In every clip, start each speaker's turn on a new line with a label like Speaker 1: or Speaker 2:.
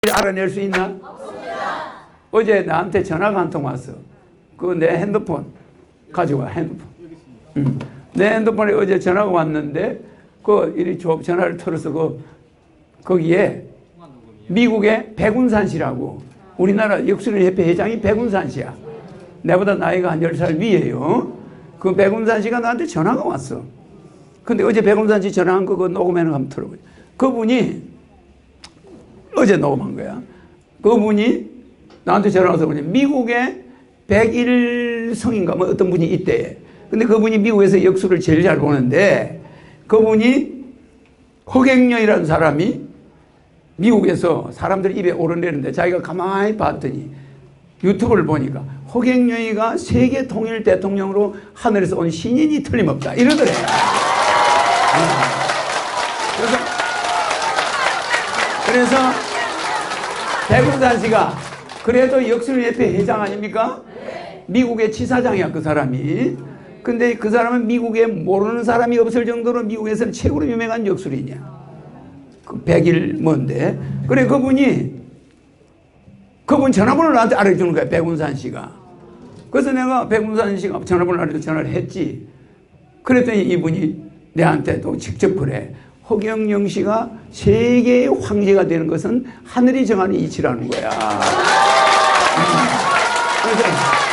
Speaker 1: 알아낼 수 있나? 없습니다. 어제 나한테 전화가 한 통 왔어. 그 내 핸드폰 가져와, 핸드폰. 내 핸드폰에 어제 전화가 왔는데 그 이리 전화를 털어서 거기에 미국의 백운산 씨라고 우리나라 역술인협회 회장이 백운산 씨야. 내보다 나이가 한 10살 위에요. 그 백운산 씨가 나한테 전화가 왔어. 근데 어제 백운산 씨 전화한 거 녹음해놓은 거 한번 들어보자. 그분이 어제 녹음한 거야. 그분이 나한테 전화 와서 그러지. 미국의 백일성인가 뭐 어떤 분이 있대. 근데 그분이 미국에서 역술을 제일 잘 보는데 그분이 허경영이라는 사람이 미국에서 사람들이 입에 오르내리는데 자기가 가만히 봤더니 유튜브를 보니까 허경영이가 세계 통일 대통령으로 하늘에서 온 신인이 틀림없다 이러더래. 그래서 백운산 씨가 그래도 역술협회 회장 아닙니까? 미국의 치사장이야 그 사람이. 근데 그 사람은 미국에 모르는 사람이 없을 정도로 미국에서는 최고로 유명한 역술인이야. 그 백일 뭔데. 그래 그분 전화번호를 나한테 알려주는 거야 백운산 씨가. 그래서 내가 백운산 씨가 전화번호를 알려줘 전화를 했지. 그랬더니 이분이 내한테 또 직접 그래. 허경영 씨가 세계의 황제가 되는 것은 하늘이 정하는 이치라는 거야. 그래서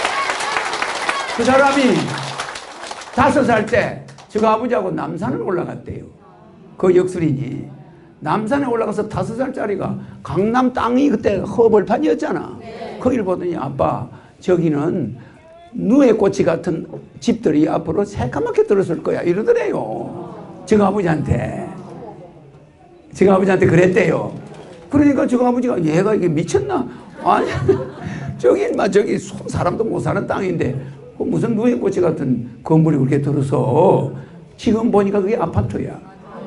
Speaker 1: 그 사람이 5살 때 저 아버지하고 남산을 올라갔대요. 그 역술인이. 남산에 올라가서 5살짜리가 강남 땅이 그때 허벌판이었잖아. 거기를 보더니 아빠 저기는 누에 꽃이 같은 집들이 앞으로 새까맣게 들었을 거야 이러더래요. 저 아버지한테 그랬대요. 그러니까 저 아버지가 얘가 이게 미쳤나? 아니 저기 사람도 못 사는 땅인데 무슨 누에 꽃이 같은 건물이 그렇게 들어서 지금 보니까 그게 아파트야.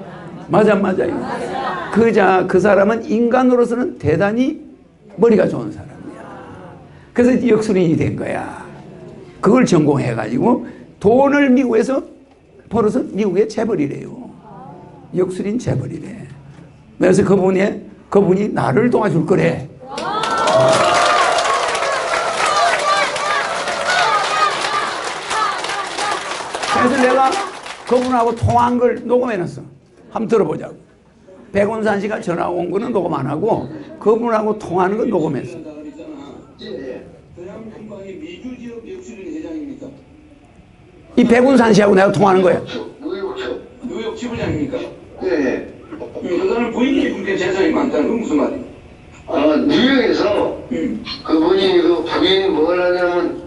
Speaker 1: 맞아요. 그 사람은 인간으로서는 대단히 머리가 좋은 사람이야. 그래서 역술인이 된 거야. 그걸 전공해가지고 돈을 미국에서 벌어서 미국에 재벌이래요. 역술인 재벌이래. 그래서 그분이 나를 도와줄 거래. 그래서 내가 그분하고 통화한 걸 녹음해놨어. 한번 들어보자고. 백운산 씨가 전화 온 거는 녹음 안 하고 그분하고 통화하는 건 녹음했어. 이 백운산 씨하고 내가 통화하는 거야.
Speaker 2: 뉴욕 지부장입니까? 네. 그 사람 부인이 그렇게 재산이 많다는 건 무슨 말이에요?
Speaker 3: 아, 뉴욕에서 그분이 그 부인이 뭘 하냐면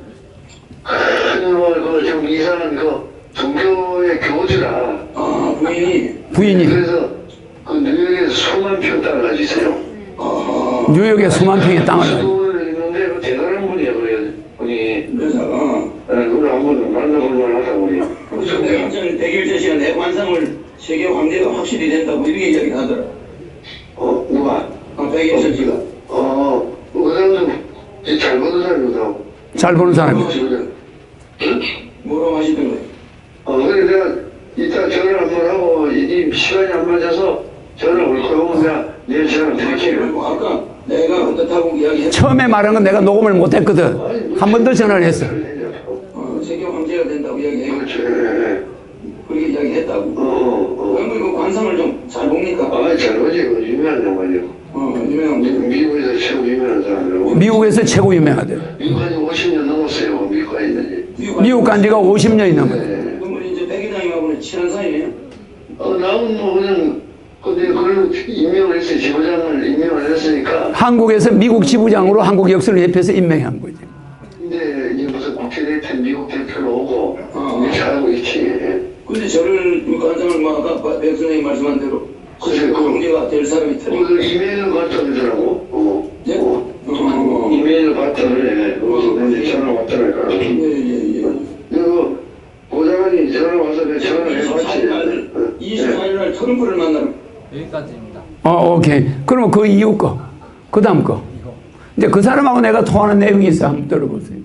Speaker 3: 좀 이상한 종교의 교주라.
Speaker 2: 아,
Speaker 1: 부인이.
Speaker 3: 그래서 그 뉴욕에서 수만 평 땅을 가지고 있어요.
Speaker 1: 뉴욕에 수만 평의 땅을
Speaker 3: 수도를 있는데 그 대단한 분이에요, 그분이.
Speaker 2: 그래서
Speaker 3: 그걸 한번 만나볼 만하다 우리.
Speaker 2: 그래서 내가 100일째 시간 내 관상을 세계 황제가 확실히 된다고 이렇게 이야기를 하더라.
Speaker 3: 누가?
Speaker 2: 백일천 씨가.
Speaker 3: 그 사람도 잘 보는 사람이거든.
Speaker 1: 잘 보는 사람이야.
Speaker 3: 응?
Speaker 2: 뭐라고 하시던 거예요?
Speaker 3: 그래 내가 이따 전화 한번 하고 이 시간이 안 맞아서 전화 올 거고 내가 내일 전화 드릴게요.
Speaker 2: 아까 내가 그렇다고 이야기했어.
Speaker 1: 처음에 말한 건 내가 녹음을 못했거든. 한 번 더 전화를 했어.
Speaker 2: 세계 황제가 된다고 이야기했고.
Speaker 3: 그렇지.
Speaker 2: 그렇게 이야기했다고. 그럼 그 관상을 좀 잘 봅니까?
Speaker 3: 잘 보지. 그 유명한 양반이요.
Speaker 2: 유명한 분.
Speaker 3: 미국에서 최고 유명한 사람이라고.
Speaker 1: 미국에서 최고 유명하대.
Speaker 3: 미국까지 50년 넘었어요. 미국까지 있는지.
Speaker 1: 미국 간 지가 50년이 넘었대.
Speaker 2: 그러면 이제 백회장님하고는 친한 사이예요?
Speaker 3: 나는 뭐 그냥 근데 그걸 임명을 했어요. 지부장을 임명을 했으니까.
Speaker 1: 한국에서 미국 지부장으로 한국 역술협회에서 임명한 거지.
Speaker 3: 근데 이제 무슨 국회 대표 미국 대표로 오고 이렇게 하고 있지.
Speaker 2: 근데 저를 그 관상을 뭐 아까 백 선생님 말씀한 대로
Speaker 3: 글쎄,
Speaker 2: 그 황제가 될 사람이 틀린
Speaker 3: 오늘 이메일을 받더라고.
Speaker 2: 네?
Speaker 3: 이메일을 받더래. 그래서 이제 전화 왔더라니까. 그리고 보좌관이 전화 와서 내가 전화를 해봤지.
Speaker 2: 24일 날 트럼프를 만나러
Speaker 4: 여기까지입니다.
Speaker 1: 오케이. 그러면 그 이후 거. 그 다음 거. 이제 그 사람하고 내가 통화하는 내용이 있어. 한번 들어보세요.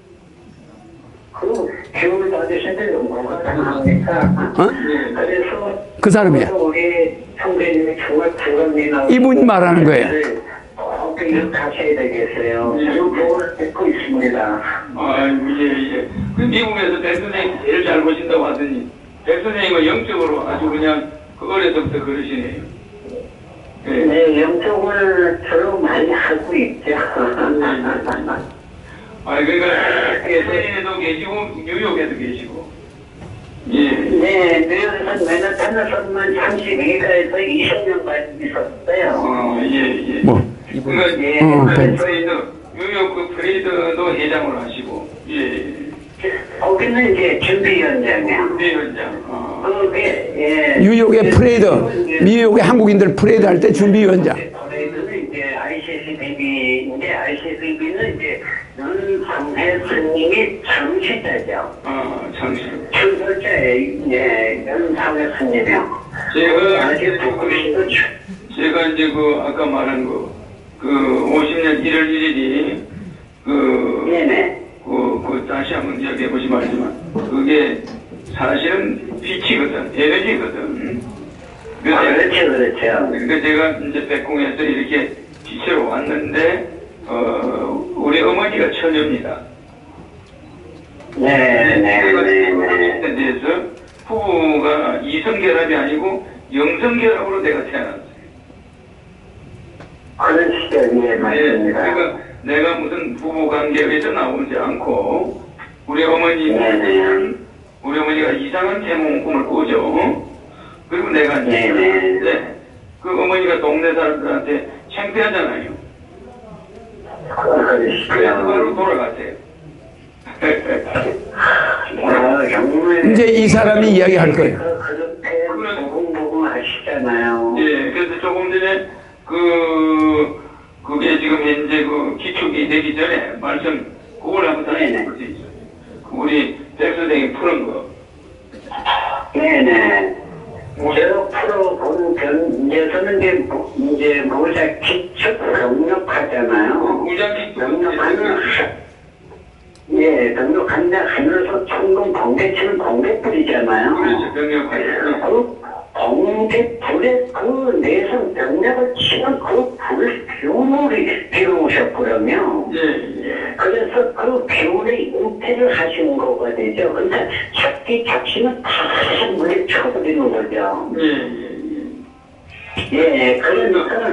Speaker 3: 기업을 받으신데 너무가 당하니까. 그래서
Speaker 1: 그 사람이야.
Speaker 3: 우리 형제님이 정말 부럽니다.
Speaker 1: 이분 말하는 거예요.
Speaker 4: 이렇게 하셔야 되겠어요. 저는 그걸 듣고 있습니다.
Speaker 2: 예. 그 미국에서 백 선생님 제일 잘 보신다고 하더니, 백 선생님은 영적으로 아주 그냥 그 어려서부터 그러시네요. 예.
Speaker 4: 네, 영적을 저로 많이 하고 있죠.
Speaker 2: 그러니까 LA에도 계시고 뉴욕에도 계시고. 예.
Speaker 4: 네, 뉴욕에서 맨하탄에서만 32가에서 20년까지 있었어요.
Speaker 2: 예.
Speaker 1: 뭐.
Speaker 2: 그러니까
Speaker 4: 예,
Speaker 2: 뉴욕 그 프레이드도 회장을 하시고. 예.
Speaker 4: 거기는 이제 준비위원장이요.
Speaker 2: 준비위원장.
Speaker 4: 그게 예.
Speaker 1: 뉴욕의 프레이드, 미국의 한국인들 프레이드 할 때 준비위원장.
Speaker 4: 프레이드는 이제 ICCBB인데 ICCB는 이제 연상회 스님이 창시자죠.
Speaker 2: 창시.
Speaker 4: 출설자의 예, 연상회 스님이요.
Speaker 2: 제가 이제 그 아까 말한 그 50년 1월 1일이
Speaker 4: 네네.
Speaker 2: 그 다시 한번 이야기해 보시면 알지만 그게 사실은 빛이거든, 에너지거든.
Speaker 4: 그렇죠.
Speaker 2: 그러니까 제가 이제 백궁에서 이렇게 빛으로 왔는데 우리 어머니가 처녀입니다.
Speaker 4: 네네네.
Speaker 2: 대해서 부부가 이성결합이 아니고 영성결합으로 내가 태어났어요.
Speaker 4: 그런 시절이에 맞습니다.
Speaker 2: 그러니까 내가 무슨 부부 관계에서 나오지 않고 우리 어머니는 우리 어머니가 이상한 태몽 꿈을 꾸죠. 그리고 내가 이제 그 어머니가 동네 사람들한테 창피하잖아요. 그래서 바로 돌아가세요.
Speaker 1: 이제 이 사람이 이야기할 거예요.
Speaker 4: 그렇게 보금 하시잖아요.
Speaker 2: 예, 그래서 조금 전에 그게 지금 현재 그 기축이 되기 전에 말씀 그걸 한번 다시 볼 수 있어요. 우리 백 선생님 푸는 거.
Speaker 4: 네네. 제가 풀어본 견제서는 이제 모자 기축 병력하잖아요. 병력하면 예, 병력한다 하면서 총금 번개치는 번개불이잖아요.
Speaker 2: 그렇죠, 병력하죠.
Speaker 4: 그 번개불에 그 내성 병력을 치는 그 불 기운을 비우셨거든요.
Speaker 2: 예.
Speaker 4: 그래서 그 기운의 은퇴를 하시는 거가 되죠. 그러니까 잡기 잡시는 다 물에 쳐버리는 거죠. 예, 그러니까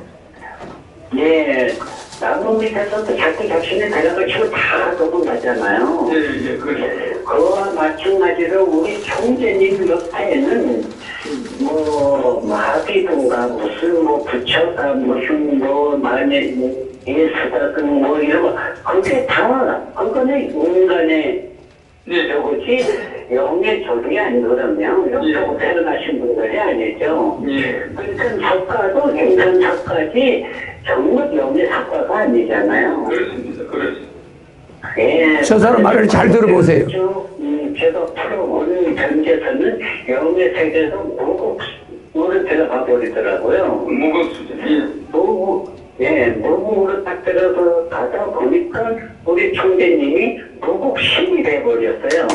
Speaker 4: 예, 나무 밑에서도 잡기 잡시는 대략을 치고 다 도망가잖아요.
Speaker 2: 예, 그렇죠.
Speaker 4: 그와 마찬가지로 우리 총재님 옆에는 뭐 마비든가 무슨 뭐 부처가 무슨 뭐 만에 예수다든 뭐 이런 거 그게 다 그거는 인간의 저거지 영의 조직이 아니거든요. 영적으로 태어나신 분들이 아니죠. 그러니까 작가도 인간 작가지 정말 영의 작가가 아니잖아요.
Speaker 2: 그렇습니다. 그렇습니다.
Speaker 4: 예,
Speaker 1: 저 사람 말을 잘 들어보세요.
Speaker 4: 제가 풀어본 견제서는 영의 세계에서 무국으로 들어가 버리더라고요.
Speaker 2: 무국수죠.
Speaker 4: 무국으로 딱 들어서 가다 보니까 우리 총재님이 무국신이 돼버렸어요.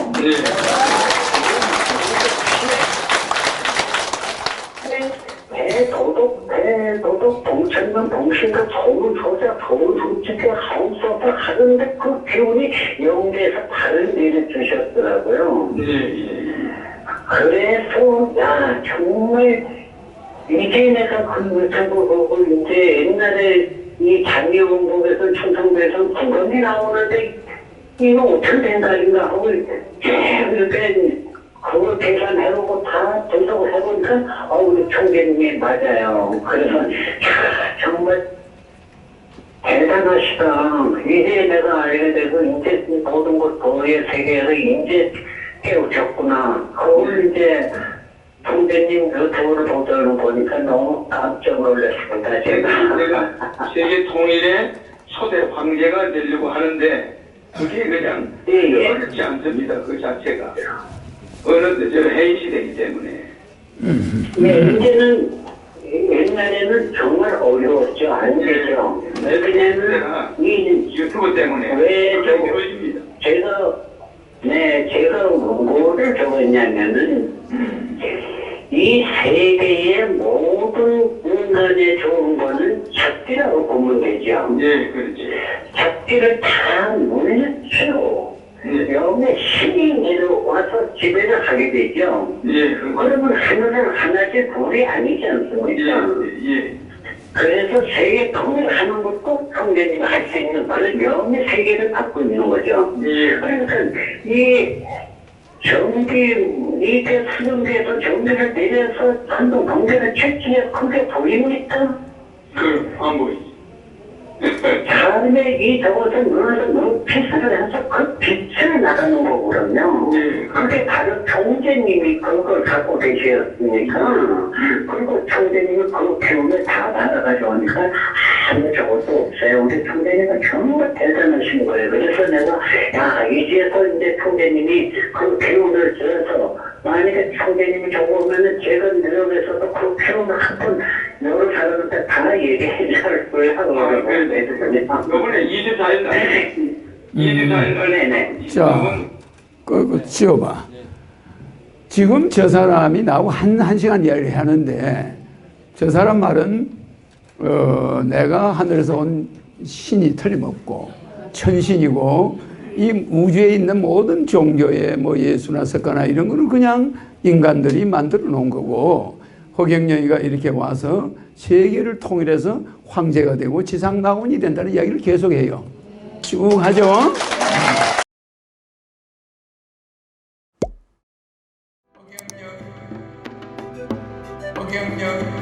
Speaker 4: 대도덕, 동천만, 동신과 좋은 소자, 좋은 솔직히 하우스업을 하는데 그 기운이 영계에서 발을 내려주셨더라고요. 그래서, 야, 정말, 이제 내가 저거 이제 옛날에 이 장애원국에서 충청도에서 구건이 나오는데, 이거 어떻게 된 거인가 하고, 이렇게, 그걸 계산해보고 다 분석을 해보니까 우리 총재님이 맞아요. 그래서 정말 대단하시다. 이제 내가 알게 되고 이제 모든 것 도의 세계에서 이제 깨우쳤구나. 그걸 이제 총재님 유튜브를 보도록 보니까 너무 깜짝 놀랐습니다.
Speaker 2: 제가 세계 통일의 초대 황제가 되려고 하는데 그게 그냥 어렵지 않습니다. 그 자체가. 어느 저 해인 시대이기 때문에.
Speaker 4: 이제는 옛날에는 정말 어려웠죠. 안 되죠. 왜냐면 이
Speaker 2: 유튜브 때문에
Speaker 4: 왜
Speaker 2: 이루어집니다.
Speaker 4: 제가 뭐를 적었냐면은 이 세계의 모든 인간의 좋은 거는 작기라고 보면 되죠. 거죠.
Speaker 2: 예, 그렇지.
Speaker 4: 잡기를 다 물렸죠. 영의 신이 내려와서 지배를 하게 되죠.
Speaker 2: 예,
Speaker 4: 그러면 하늘은 하나씩 불이 아니지 않습니까?
Speaker 2: 예.
Speaker 4: 그래서 세계 통일하는 것도 성전님이 할 수 있는 그런 영의 세계를 갖고 있는 거죠.
Speaker 2: 예.
Speaker 4: 그러니까 이 이게 수정대에서 정비를 내려서 한동 경제를 채취해 크게 보입니까?
Speaker 2: 안 보이지.
Speaker 4: 다음에 이 저것을 눌러서 눈피스를 해서 그 빛을 나가는 거거든요. 그게 바로 총재님이 그걸 갖고 계셨으니까, 그리고 총재님이 그 기운을 다 받아가지고 하니까 아무 저것도 없어요. 우리 총재님은 정말 대단하신 거예요. 그래서 내가, 야, 이제서 이제 총재님이 그 기운을 줘서, 만약에 총재님이 저거 오면은 제가 내려오면서도 그 기운을 한번 여러 사람한테 다 얘기해 줄 거예요.
Speaker 2: 요번에 24일 날, 24일 날,
Speaker 4: 네네.
Speaker 1: 자, 그거 지어봐. 지금 저 사람이 나하고 한 시간 이야기를 하는데, 저 사람 말은, 내가 하늘에서 온 신이 틀림없고, 천신이고, 이 우주에 있는 모든 종교의 뭐 예수나 석가나 이런 거는 그냥 인간들이 만들어 놓은 거고, 허경영이가 이렇게 와서 세계를 통일해서 황제가 되고 지상낙원이 된다는 이야기를 계속해요. 쭉 하죠. 허경영